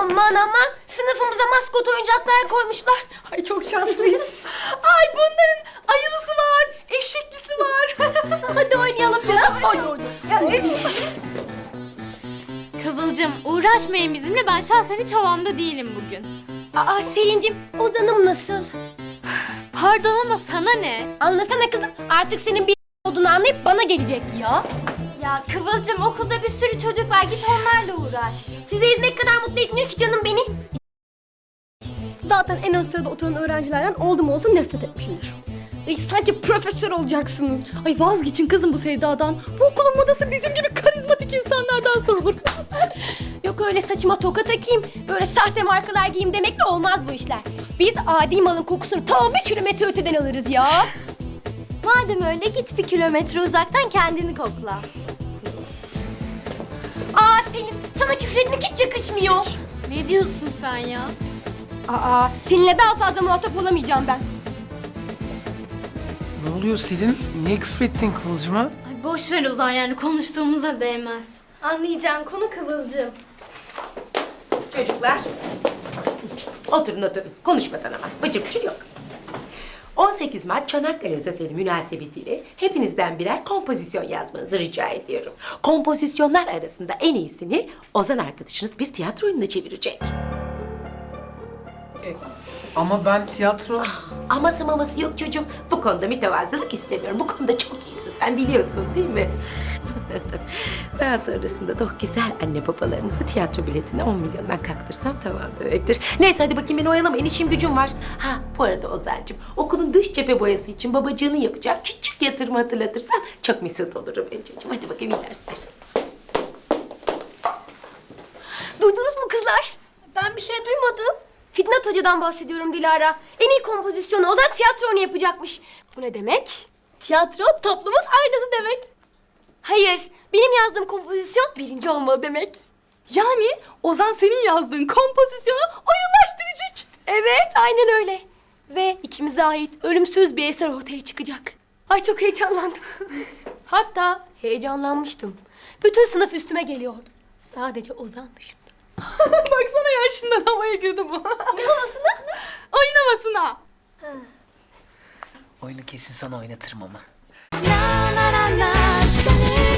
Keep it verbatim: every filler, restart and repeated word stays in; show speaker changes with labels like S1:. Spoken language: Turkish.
S1: Aman aman, sınıfımıza maskot oyuncaklar koymuşlar. Ay çok şanslıyız.
S2: Ay bunların ayılısı var, eşeklisi var.
S1: Hadi oynayalım biraz. Hadi oynayalım.
S3: Kıvılcım uğraşmayın bizimle, ben şahsen hiç havamda değilim bugün.
S1: Aa Selin'cim, Ozan'ım nasıl?
S3: Pardon ama sana ne?
S1: Anlasana kızım, artık senin bir olduğunu anlayıp bana gelecek ya.
S3: Ya Kıvılcım, okulda bir sürü çocuk var, git onlarla uğraş.
S1: Size hizmet kadar mutlu etmiyor ki canım beni. Zaten en ön sırada oturan öğrencilerden oldum olsa nefret etmişimdir. Ay, sanki profesör olacaksınız.
S2: Ay vazgeçin kızım bu sevdadan. Bu okulun modası bizim gibi karizmatik insanlardan sorulur.
S1: Yok öyle saçıma toka takayım, böyle sahte markalar giyeyim demekle olmaz bu işler. Biz adi malın kokusunu tam bir kilometre öteden alırız ya.
S3: Madem öyle git bir kilometre uzaktan kendini kokla.
S1: Aa Selin, sana küfür etmek hiç yakışmıyor.
S3: Ne diyorsun sen ya?
S1: Aa, seninle daha fazla muhatap olamayacağım ben.
S4: Ne oluyor Selin? Niye küfür ettin Kıvılcım'a?
S3: Ay boş ver Ozan, yani konuştuğumuza değmez. Anlayacağın konu Kıvılcım.
S5: Çocuklar, oturun oturun. Konuşmadan ama. Bıcır bıcır yok. on sekiz Mart Çanakkale Zaferi münasebetiyle hepinizden birer kompozisyon yazmanızı rica ediyorum. Kompozisyonlar arasında en iyisini Ozan arkadaşınız bir tiyatro oyununa çevirecek.
S4: Ama ben tiyatro...
S5: Aması maması yok çocuğum. Bu konuda mütevazılık istemiyorum. Bu konuda çok iyisin, sen biliyorsun değil mi? Daha sonrasında da o güzel anne babalarınıza tiyatro biletini on milyondan kaktırsam tamam demektir. Neyse hadi bakayım, beni oyalamayın, işim gücüm var. Ha bu arada Ozan'cığım, okulun dış cephe boyası için babacığını yapacak küçük yatırımı hatırlatırsan çok mesut olurum ben çocuğum. Hadi bakayım, iyi dersler.
S1: Duydunuz mu kızlar? Ben bir şey duymadım. Fitnat Hoca'dan bahsediyorum Dilara. En iyi kompozisyonu Ozan tiyatronu yapacakmış. Bu ne demek?
S2: Tiyatro toplumun aynası demek.
S1: Hayır, benim yazdığım kompozisyon birinci olmalı demek.
S2: Yani Ozan senin yazdığın kompozisyonu oyunlaştıracak.
S1: Evet, aynen öyle. Ve ikimize ait ölümsüz bir eser ortaya çıkacak. Ay çok heyecanlandım. Hatta heyecanlanmıştım. Bütün sınıf üstüme geliyordu. Sadece Ozan dışında.
S2: Baksana ya, şimdiden havaya girdi bu.
S1: Ne havasına?
S2: Oyun havasına.
S4: Oyunu kesin sana oynatırım ama.
S2: Na na na na, seni